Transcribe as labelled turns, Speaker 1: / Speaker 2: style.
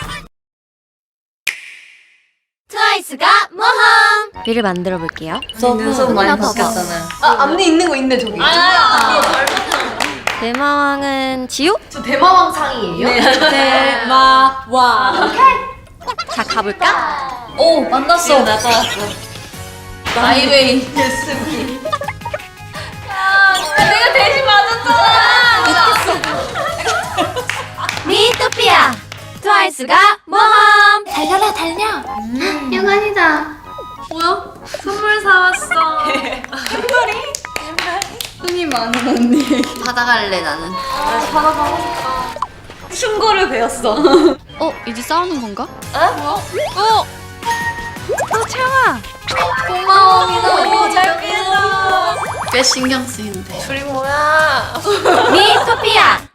Speaker 1: 트와이스가 모험! 를 만들어 볼게요.
Speaker 2: 눈썹 많이 바뀌었잖아요.
Speaker 3: 앞니 있는 거 있네 저기.
Speaker 1: 대마왕은 지우?
Speaker 3: 저 대마왕 상이에요?
Speaker 2: 대마왕.
Speaker 1: 자, 가볼까?
Speaker 2: 오, 만났어. 나타났어. 마이웨이.
Speaker 3: 예스미.
Speaker 2: 내가 대신 맞았잖아.
Speaker 1: 미토피아! 트와이스가 모험!
Speaker 4: 달려라 달려. 영환이다.
Speaker 2: 뭐야? 선물 사왔어.
Speaker 3: 손이 많은 언니.
Speaker 4: 받아갈래 나는.
Speaker 2: 충고를 배웠어.
Speaker 1: 이제 싸우는 건가? 채영아!
Speaker 2: 고마워, 민호. 잘 피했어.
Speaker 4: 꽤 신경 쓰이는데.
Speaker 2: 둘이 뭐야?
Speaker 1: 미토피아!